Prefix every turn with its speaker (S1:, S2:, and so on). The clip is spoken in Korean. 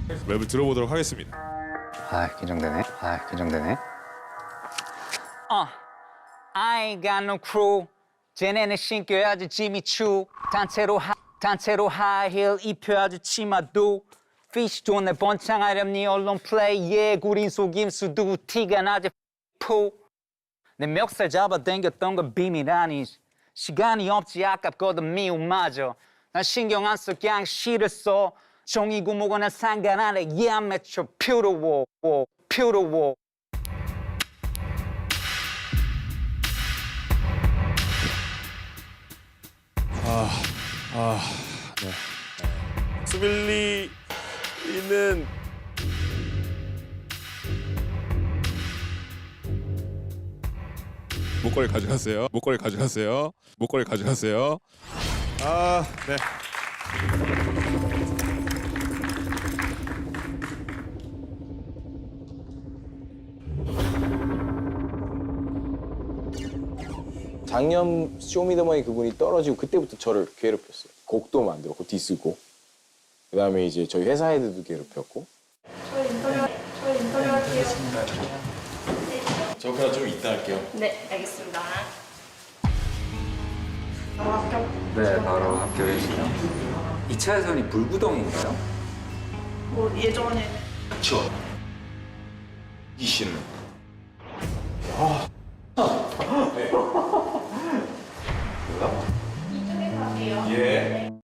S1: 랩을 들어보도록 하겠습니다.
S2: 긴장되네. 긴장되네.
S3: I ain't got no crew. 쟤네는 신겨야지 짐이 추. 단체로 하이힐 입혀야지 치마도. 피쉬 돈에 번창하렴 니 언론 플레이. 예, 구린 속임수도 티가 나지 포. 내 멱살 잡아 당겼던 건 비밀 아니지. 시간이 없지 아깝거든 미움마저. 난 신경 안 써 그냥 시를 써. 종이 구멍은 상관 안 해. Yeah, I'm at your beautiful, beautiful.
S1: 수빌리는 목걸이 가져가세요. 목걸이 가져가세요. 목걸이 가져가세요. 네.
S4: 작년 쇼미더머니 그분이 떨어지고 그때부터 저를 괴롭혔어요. 곡도 만들었고 디스고. 그다음에 이제 저희 회사 애들도 괴롭혔고.
S5: 저희 인터뷰 할게요.
S4: 저 그냥 좀 이따 할게요.
S5: 네, 알겠습니다. 바로 합격.
S2: 네, 바로 합격해주세요. 2차에서는 불구덩인가요?
S5: 뭐 예전에
S4: 그쵸. 이 씨는.
S5: 이쪽에 갈게요.
S4: 예.